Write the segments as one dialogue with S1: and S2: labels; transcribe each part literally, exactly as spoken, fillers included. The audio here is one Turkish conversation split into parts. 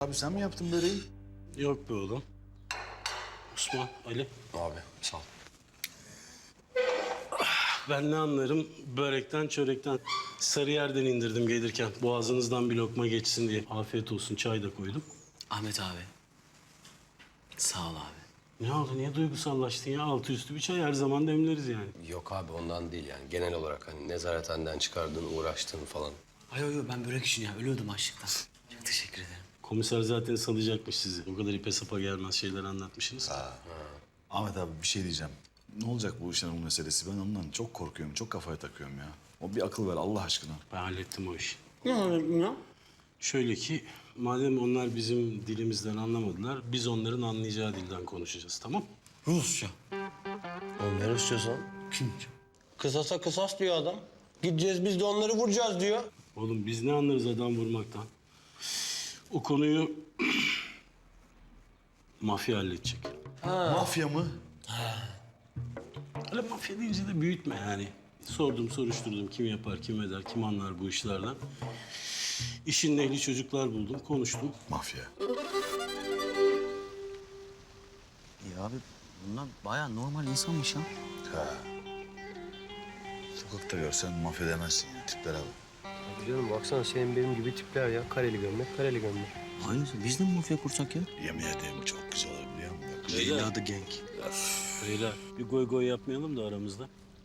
S1: abi sen mi yaptın böreği?
S2: Yok be oğlum. Osman, Ali.
S3: Abi sağ ol.
S2: Ben ne anlarım börekten, çörekten. Sarıyer'den indirdim gelirken. Boğazınızdan bir lokma geçsin diye. Afiyet olsun, çay da koydum.
S4: Ahmet abi. Sağ ol abi.
S2: Ne oldu, niye duygusallaştın ya? Altı üstü bir çay her zaman demleriz yani.
S3: Yok abi ondan değil yani. Genel olarak hani nezarethaneden çıkardığın, uğraştığın falan.
S4: Ay yo yo ben börek için ya ölüyordum açlıktan. Çok teşekkür ederim.
S2: Komiser zaten salacakmış sizi. O kadar ipe sapa gelmez şeyler anlatmışsınız.
S1: Ahmet abi bir şey diyeceğim. Ne olacak bu işin bu meselesi? Ben ondan çok korkuyorum, çok kafaya takıyorum ya. O bir akıl ver Allah aşkına.
S2: Ben hallettim o işi.
S4: Ne anladın ya?
S2: Şöyle ki, madem onlar bizim dilimizden anlamadılar, biz onların anlayacağı dilden konuşacağız, tamam?
S4: Rusça.
S3: Oğlum ne istiyorsan?
S4: Kim?
S3: Kısasa kısas diyor adam. Gideceğiz biz de onları vuracağız diyor.
S2: Oğlum biz ne anlarız adam vurmaktan? O konuyu mafya halledecek.
S1: Mafya mı?
S2: Öyle mafya deyince de büyütme yani. Sordum, soruşturdum kim yapar, kim eder, kim anlar bu işlerden. İşin ehli çocuklar buldum, konuştum.
S1: Mafya.
S4: Ya abi bunlar bayağı normal insanmış ya.
S1: Ha. Sokakta görsen mafya demezsin ya. Tiplere bak.
S5: Abi canım baksana senin benim gibi tipler ya. Kareli gömlek, kareli gömlek.
S4: Aynısı. Biz de mi mafya kursak ya?
S1: Yemin ederim çok güzel olur biliyor musun? Bak,
S4: Leyla the Gang.
S2: Beyler bir goy goy yapmayalım da aramızda.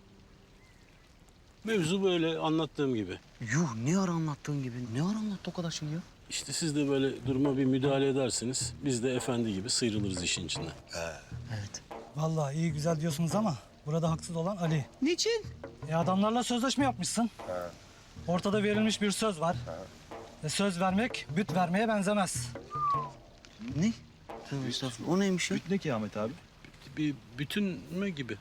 S2: Mevzu böyle anlattığım gibi.
S4: Yuh ne ara anlattığın gibi. Ne ara anlattı o kadar şey ya?
S2: İşte siz de böyle duruma bir müdahale edersiniz. Biz de efendi gibi sıyrılırız işin içinden.
S4: Evet.
S6: Vallahi iyi güzel diyorsunuz ama burada haksız olan Ali.
S4: Niçin?
S6: E adamlarla sözleşme yapmışsın. Ortada verilmiş bir söz var. E söz vermek büt vermeye benzemez.
S4: Ne? Tövbe estağfurullah. O neymiş ya?
S1: Ne ki Ahmet abi?
S2: Bir bütün mü gibi?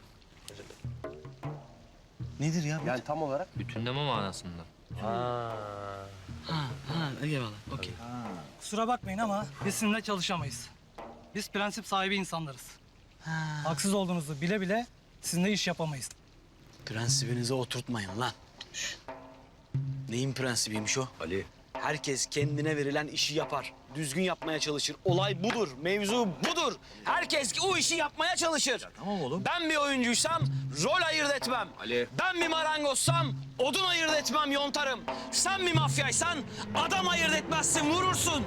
S4: Nedir ya?
S3: Yani tam olarak
S5: Bütünleme manasında.
S4: Ha, ha, eyvallah. Okey.
S6: Kusura bakmayın ama biz sizinle çalışamayız. Biz prensip sahibi insanlarız.
S4: Ha.
S6: Haksız olduğunuzu bile bile sizinle iş yapamayız.
S4: Prensibinize oturtmayın lan. Şş. Neyin prensibiymiş o?
S3: Ali.
S4: Herkes kendine verilen işi yapar. Düzgün yapmaya çalışır. Olay budur. Mevzu budur. Herkes o işi yapmaya çalışır.
S1: Tamam oğlum.
S4: Ben bir oyuncuysam rol ayırt etmem.
S3: Ali.
S4: Ben bir marangozsam odun ayırt etmem, yontarım. Sen bir mafyaysan adam ayırt etmezsin, vurursun.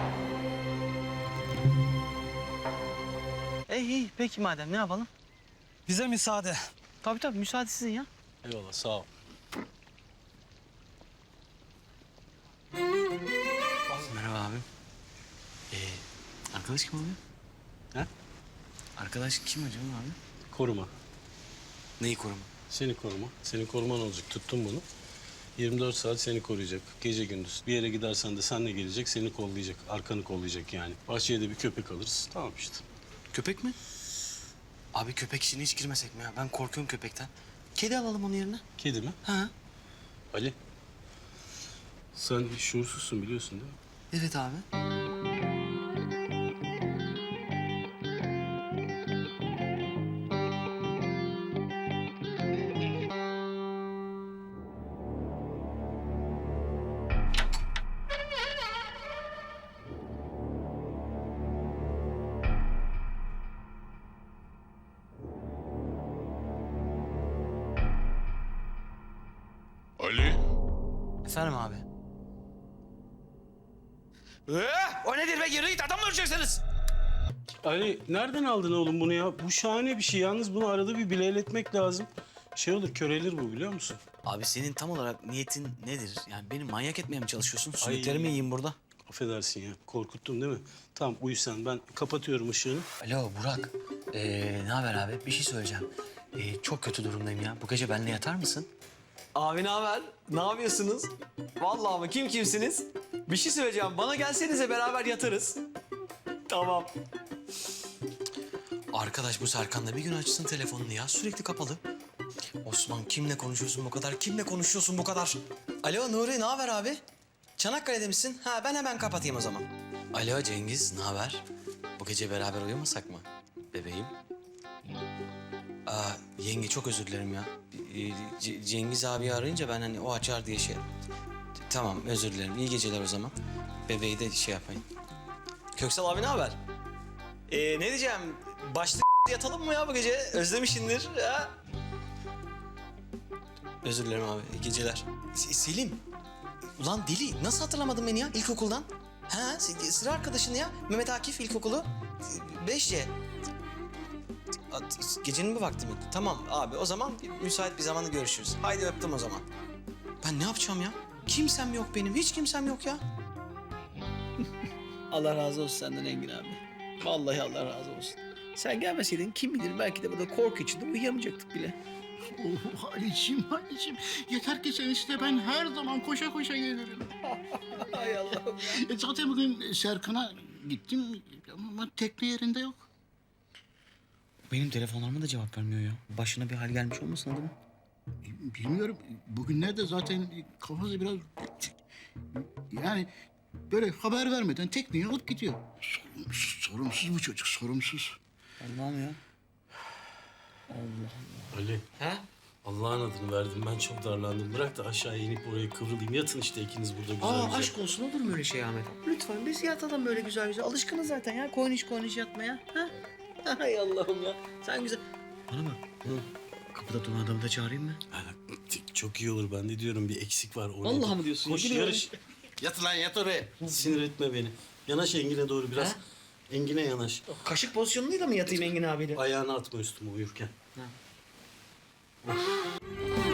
S4: İyi iyi. Peki madem ne yapalım?
S6: Bize müsaade.
S4: Tabii tabii müsaade sizin ya.
S2: Eyvallah sağ ol.
S4: Merhaba abim. Ee, arkadaş kim abi?
S2: Ha?
S4: Arkadaş kim acaba abi?
S2: Koruma.
S4: Neyi koruma?
S2: Seni koruma. Senin koruman olacak. Tuttum bunu. yirmi dört saat seni koruyacak. Gece gündüz. Bir yere gidersen de senle gelecek, seni kollayacak. Arkanı kollayacak yani. Bahçeye de bir köpek alırız. Tamam işte.
S4: Köpek mi? Abi köpek işine hiç girmesek mi ya? Ben korkuyorum köpekten. Kedi alalım onun yerine.
S2: Kedi mi?
S4: Ha?
S2: Ali. Sen şuursuzsun biliyorsun değil mi?
S4: Evet abi.
S7: Ali,
S4: Efendim abi. Ee, o nedir be? Yürü git adam mı öleceksiniz?
S2: Ali nereden aldın oğlum bunu ya? Bu şahane bir şey. Yalnız bunu arada bir bileletmek lazım. Şey olur, körelir bu biliyor musun?
S4: Abi senin tam olarak niyetin nedir? Yani beni manyak etmeye mi çalışıyorsun? Sünnetleri mi yiyeyim burada?
S2: Affedersin ya. Korkuttun değil mi? Tamam uyu sen. Ben kapatıyorum ışığını.
S4: Alo Burak. Ee, ne haber abi? Bir şey söyleyeceğim. Ee, çok kötü durumdayım ya. Bu gece benimle yatar mısın? Abi ne haber? Ne yapıyorsunuz? Vallahi mı? Kim kimsiniz? Bir şey söyleyeceğim. Bana gelsenize beraber yatarız. Tamam. Arkadaş bu Serkan da bir gün açsın telefonunu ya. Sürekli kapalı. Osman kimle konuşuyorsun bu kadar? Kimle konuşuyorsun bu kadar? Alo Nuri ne haber abi? Çanakkale'de misin? Ha ben hemen kapatayım o zaman. Alo Cengiz ne haber? Bu gece beraber uyumasak mı? Bebeğim. Aa, yenge çok özür dilerim ya. Ee, C- Cengiz abi arayınca ben hani o açar diye şey... Tamam özür dilerim. İyi geceler o zaman. Bebeği de şey yapayım. Köksal abi ne haber? Ee, ne diyeceğim? Başlık yatalım mı ya bu gece? Özlemişindir ha? Özür dilerim abi. İyi geceler. S- Selim. Ulan deli. Nasıl hatırlamadın beni ya ilkokuldan? Ha? s- Sıra arkadaşın ya. Mehmet Akif ilkokulu. beş C. At- Gecenin bu vakti mi? Tamam abi o zaman müsait bir zamanda görüşürüz. Haydi öptüm o zaman. Ben ne yapacağım ya? Kimsem yok benim. Hiç kimsem yok ya.
S8: Allah razı olsun senden Engin abi. Vallahi Allah razı olsun. Sen gelmeseydin kim bilir belki de burada korku içinde uyuyamayacaktık bile.
S9: Oh Halicim, Halicim. Yeter ki sen iste, ben her zaman koşa koşa gelirim.
S8: Hay Allah'ım.
S9: E zaten bugün Serkan'a gittim ama tekne yerinde yok.
S8: Benim telefonlarıma da cevap vermiyor ya. Başına bir hal gelmiş olmasın adamın?
S9: E, Bilmiyorum, bugünlerde zaten kafası biraz... Yani böyle haber vermeden tekneyi alıp gidiyor. Sorumsuz, sorumsuz bu çocuk, sorumsuz.
S8: Allah'ım ya.
S2: Ali.
S4: Ha?
S2: Allah'ın adını verdim. Ben çok darlandım. Bırak da aşağıya inip oraya kıvrılayım. Yatın işte ikiniz burada güzel
S8: Aa
S2: güzel.
S8: aşk olsun olur mu öyle şey Ahmet? Lütfen biz yatalım böyle güzel güzel. Alışkınız zaten ya koyniş koyniş yatmaya. Ha? Hay Allah'ım ya. Sen güzel. Bana bak. Hı. Kapıda duran adamı da çağırayım mı?
S2: Ha, çok iyi olur. Ben de diyorum bir eksik var. Oraya
S8: Vallahi
S2: git.
S8: mi diyorsun?
S2: Koş
S8: Gidiyorum.
S2: yarış.
S9: Yat lan, yat oraya.
S2: Sinir etme beni. Yanaş Engin'e doğru biraz.
S8: Ha?
S2: Engin'e yanaş.
S8: Kaşık pozisyonuyla mı yatayım Engin abiyle?
S2: Ayağını atma üstüme uyurken.
S8: Ha.